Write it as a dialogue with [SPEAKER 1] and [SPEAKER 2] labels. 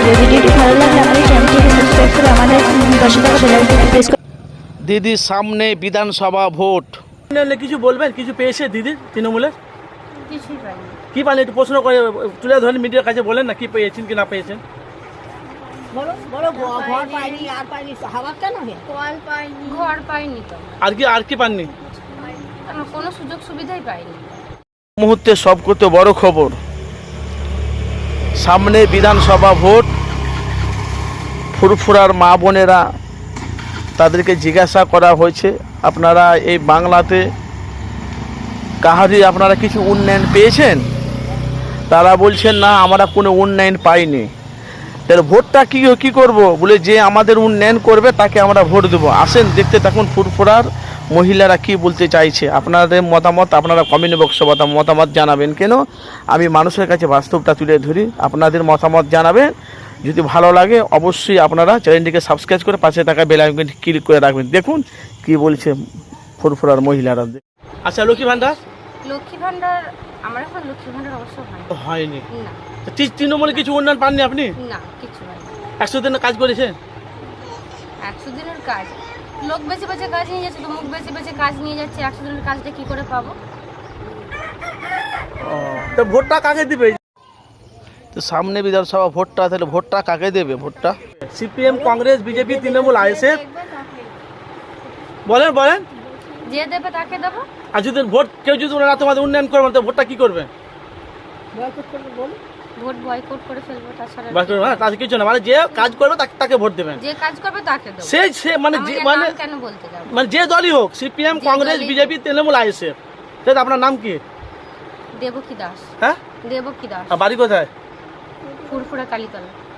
[SPEAKER 1] ভিডিওটি ভালো লাগলে আমাদের চ্যানেলটিকে সাবস্ক্রাইব করে আমাদের পাশে থাকা বেল আইকনটি প্রেস করুন।
[SPEAKER 2] দিদি সামনে বিধানসভা ভোট, কিছু বলবেন? কিছু পেয়েছে দিদি তৃণমূলের?
[SPEAKER 3] কিছুই পাইনি।
[SPEAKER 2] কি পান একটু প্রশ্ন করে তুলে ধরেন, মিডিয়ার কাছে বলেন না কি পেয়েছেন কি না পেয়েছেন।
[SPEAKER 3] ঘর পাইনি তো,
[SPEAKER 2] আর কি পাননি?
[SPEAKER 3] কোনো সুযোগ সুবিধাই পাইনি।
[SPEAKER 2] মুহূর্তে সব করতে বড় খবর, সামনে বিধানসভা ভোট। ফুরফুরার মা বোনেরা তাদেরকে জিজ্ঞাসা করা হয়েছে, আপনারা এই বাংলাতে কাহারি আপনারা কিছু উন্নয়ন পেয়েছেন? তারা বলছেন না, আমরা কোনো উন্নয়ন পাইনি। তাহলে ভোটটা কী করব? বলে যে আমাদের উন্নয়ন করবে তাকে আমরা ভোট দেবো। আসেন দেখতে থাকুন ফুরফুরার মহিলারা কি বলতে চাইছে। আপনাদের মতামত আপনারা কমেন্ট বক্সে মতামত জানাবেন। কেন আমি মানুষের কাছে বাস্তবটা তুলে ধরি, আপনাদের মতামত জানাবেন। যদি ভালো লাগে অবশ্যই আপনারা চ্যানেলটিকে সাবস্ক্রাইব করে পাশে থাকা বেল আইকনটি ক্লিক করে রাখবেন। দেখুন কি বলছে ফুরফুরার মহিলারা। আচ্ছা, লক্ষ্মী ভান্ডার
[SPEAKER 3] আমার এখন লক্ষ্মী ভান্ডার অবশ্য
[SPEAKER 2] হয়নি।
[SPEAKER 3] না,
[SPEAKER 2] তৃণমূলে কিছু উন্নয়ন পাননি আপনি?
[SPEAKER 3] না কিছু হয়নি।
[SPEAKER 2] 100 দিনের কাজ করেছেন?
[SPEAKER 3] 100 দিনের কাজ লোক বেঁচে বেঁচে কাজ নিয়ে যাচ্ছে, তো মুখ বেঁচে বেঁচে কাজ নিয়ে যাচ্ছে। 100 দিনের কাজটা কি করে পাবো?
[SPEAKER 2] তো ভোটটা কাকে দিবে? তো সামনে বিধানসভা ভোটটা, তাহলে ভোটটা কাকে দেবে? ভোটটা CPM, Congress, BJP, Trinamool, ISF? বলেন
[SPEAKER 3] যে দেবে তাকে দেবো।
[SPEAKER 2] আর যদি ভোট কেউ যদি ওনারা তোমাদের উন্নয়ন করবে তো ভোটটা কি করবে?
[SPEAKER 3] ভোট বয়কট করে ফেলবো। তাছাড়া
[SPEAKER 2] তাদের কিছু না, মানে যে কাজ করবে তাকে ভোট দেবেন।
[SPEAKER 3] যে কাজ করবে তাকে দেবো।
[SPEAKER 2] সে মানে
[SPEAKER 3] কেন বলতে যাবো?
[SPEAKER 2] মানে যে দলই হোক, CPM, Congress, BJP, Trinamool, ISF. তাহলে আপনার নাম কি?
[SPEAKER 3] দেবকী দাস।
[SPEAKER 2] হ্যাঁ,
[SPEAKER 3] দেবকী দাস।
[SPEAKER 2] আর বাড়ি কোথায়?
[SPEAKER 3] ফুরফুরা কালীতলা।